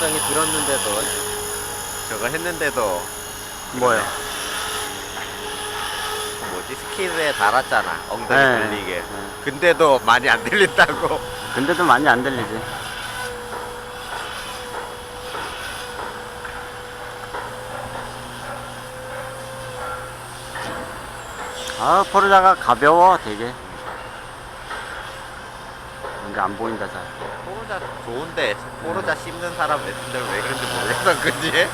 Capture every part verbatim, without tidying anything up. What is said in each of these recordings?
가격정이 들었는데도 저거 했는데도 뭐요? 뭐지 스키드에 달았잖아 엉덩이 네. 들리게. 네. 근데도 많이 안 들린다고. 근데도 많이 안 들리지. 아, 포르자가 가벼워, 되게. 근데 안 보인다, 잘. 포르자 좋은데 포르자 씹는 사람 몇 왜 그런지 모르겠어. 그지?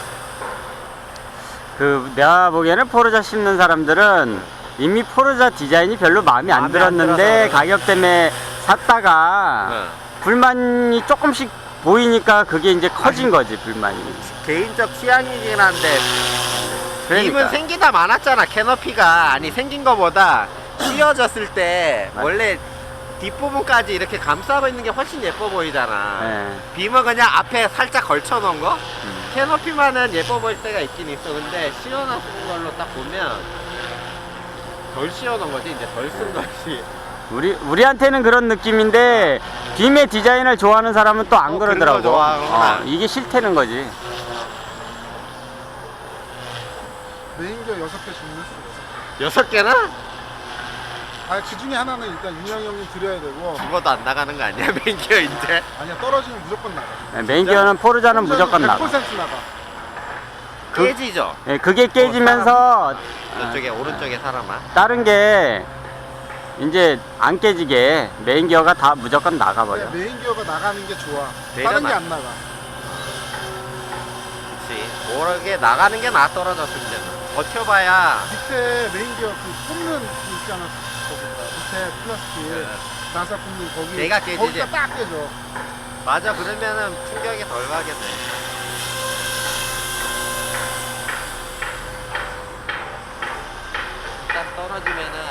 그, 내가 보기에는 포르자 씹는 사람들은 이미 포르자 디자인이 별로 마음에 안 마음에 안 들었는데, 들어서 가격 때문에 샀다가, 응. 불만이 조금씩 보이니까 그게 이제 커진 거지, 불만이. 개인적 취향이긴 한데 그러니까. 빔은 생기다 많았잖아. 캐노피가 아니 생긴 거보다 씌워졌을 때 맞- 원래 뒷부분까지 이렇게 감싸고 있는 게 훨씬 예뻐 보이잖아. 예. 빔은 그냥 앞에 살짝 걸쳐 놓은 거? 음. 캐노피만은 예뻐 보일 때가 있긴 있어. 근데 씌워놓은 걸로 딱 보면 덜 씌워놓은 거지. 이제 덜 쓴 거지. 우리, 우리한테는 그런 느낌인데, 빔의 디자인을 좋아하는 사람은 또 안 어, 그런 그러더라고. 거 좋아하구나. 어, 이게 싫다는 거지. 메인기어 여섯 개 주문했어. 여섯 개나? 아, 그 중에 하나는 일단 윤영 형님 드려야 되고. 죽어도 안 나가는 거 아니야? 맨기어 이제? 아니야, 떨어지면 무조건 나가. 네, 메인기어는 포르자는 무조건 나가. 백 퍼센트 나가. 그- 깨지죠? 예, 그게 깨지면서 이쪽에 오른쪽에 사람아. 다른 게 이제 안 깨지게 메인기어가 다 무조건 나가버려. 그냥 메인기어가 나가는 게 좋아. 내가 다른 게 나- 안 나가. 그치. 모르게 나가는 게 나 떨어졌을 때는. 버텨봐야. 밑에 메인기어 그 꼽는 그 있잖아. 거기가. 밑에 플라스틱. 네. 나사 꼽는 거기. 내가 깨지지. 거기가 딱 깨져. 맞아. 그러면은 충격이 덜 가겠네. 일단 떨어지면은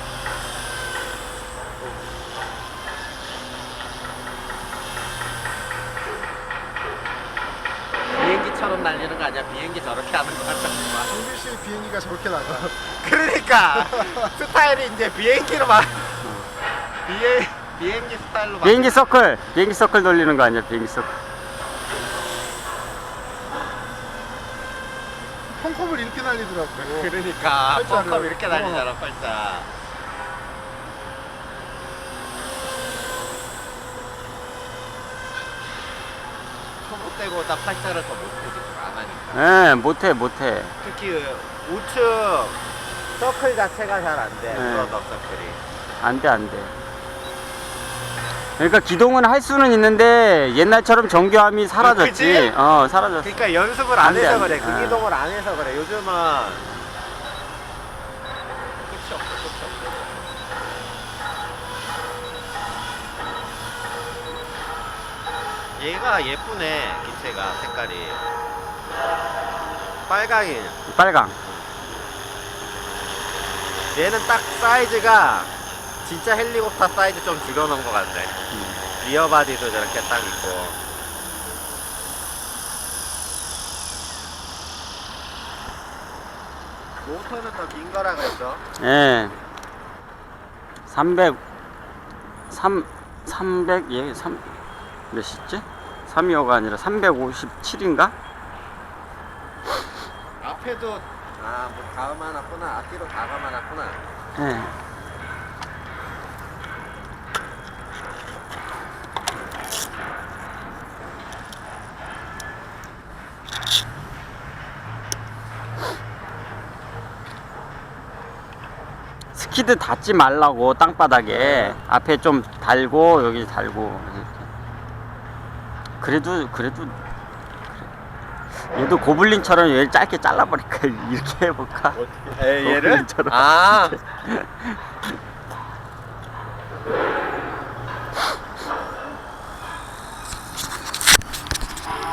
비행기처럼 날리는 거 아니야? 비행기 저렇게 하는 거 같잖아. 중비실 비행기가 저렇게 나가. 그러니까 스타일이 이제 비행기로 막 비행 비행기 스타일로 막. 비행기 서클, 비행기 서클 돌리는 거 아니야? 비행기 서클. 펑컵을 이렇게 날리더라고. 그러니까 팔자를. 펑컵 이렇게 날리잖아. 어. 팔자. 초보되고 딱 팔자를 더 못해 안 하니까. 예, 못해, 못해. 특히 우측 서클 자체가 잘 안 돼. 네. 브러더 서클이. 안 돼, 안 돼. 그러니까 기동은 할 수는 있는데 옛날처럼 정교함이 사라졌지. 그치? 어, 사라졌어. 그러니까 연습을 안 안 돼, 해서 안 그래. 돼. 그 아. 기동을 안 해서 그래. 요즘은 끝이 없어, 끝이 없어. 얘가 예쁘네. 기체가 색깔이 빨강이. 빨강. 얘는 딱 사이즈가 진짜 헬리콥터 사이즈 좀 줄여놓은 것 같네. 리어 바디도 저렇게 딱 있고. 모터는 더 긴 거라 그랬죠? 예. 삼백, 삼, 삼백, 예, 삼, 몇이지? 삼백이오가 아니라 삼백오십칠인가? 앞에도 아, 뭐 다 감아놨구나. 앞뒤로 다 감아놨구나. 예. 스키드 닿지 말라고 땅바닥에 앞에 좀 달고 여기 달고 이렇게. 그래도 그래도 그래. 얘도 고블린처럼 얘를 짧게 잘라버릴까 이렇게 해볼까? 에, 얘를? 고블린처럼. 아,